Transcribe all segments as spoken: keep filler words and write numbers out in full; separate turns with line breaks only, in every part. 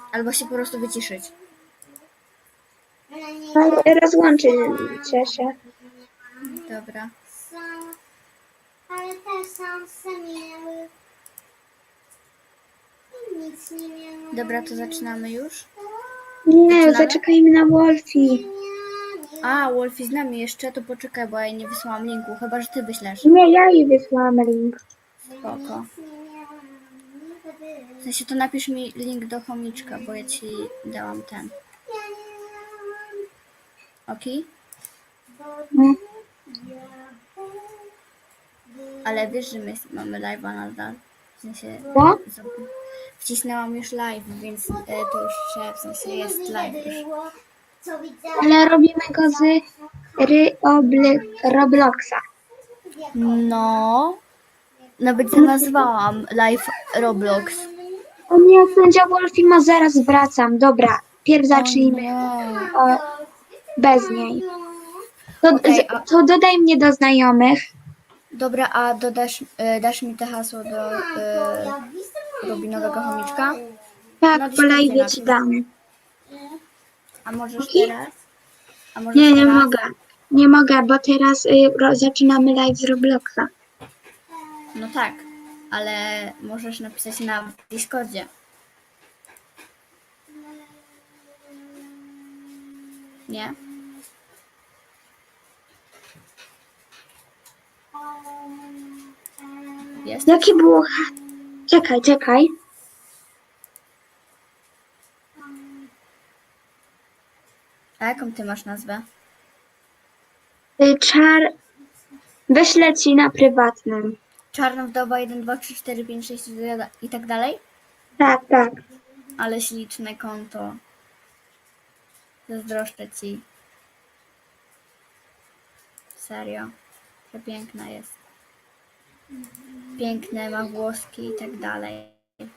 Albo się po prostu wyciszyć.
Rozłączycie się.
Dobra.
Ale też sam miały. I nic nie miały.
Dobra, to zaczynamy już?
Nie,
Zaczynamy?
zaczekajmy na Wolfi.
A, Wolfie z nami jeszcze, to poczekaj, bo ja jej nie wysłałam linku, chyba że ty wyślesz.
Nie, ja jej wysłałam link.
Spoko. W sensie to napisz mi link do chomiczka, bo ja ci dałam ten. Okej?
No.
Ale wiesz, że my mamy live'a nadal. W sensie
Co?
z- wcisnęłam już live, więc e, to już że w sensie jest live już.
Ale robimy go z ry obly- Robloxa.
No. Nawet zanazwałam live Roblox.
O nie, sędzia Wolfi ma zaraz wracam. Dobra, pierw zacznijmy
Nie.
o, bez niej. To,
Okej,
z-
a-
to dodaj mnie do znajomych.
Dobra, a dodasz, e, dasz mi te hasło do e, Robinowego chomiczka?
Tak,
No,
po live
Discordzie
ci
napisz.
dam.
A możesz
Okej.
teraz? A możesz
Nie, nie
teraz?
mogę. Nie mogę, bo teraz y, ro, zaczynamy live z Robloxa.
No tak, ale możesz napisać na Discordzie. Nie? Jest?
Jakie było... ha- Czekaj, czekaj.
A jaką ty masz nazwę?
Y, czar... Wyślę ci na prywatnym.
Czarna wdowa jeden, dwa, trzy, cztery, pięć, sześć i tak dalej?
Tak, tak.
Ale śliczne konto. Zazdroszczę ci. Serio. Przepiękna jest. Piękne, ma włoski i tak dalej.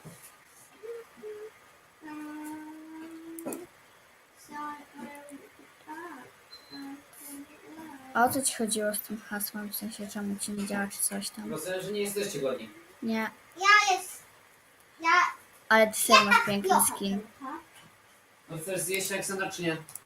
A o co ci chodziło z tym hasłem? W sensie czemu ci nie działa czy coś tam?
Bo sądzę, że nie jesteście godni.
Nie.
Ja jest. Ja.
Ale ty serio masz piękny skin.
No chcesz zjeść Aleksandra czy nie?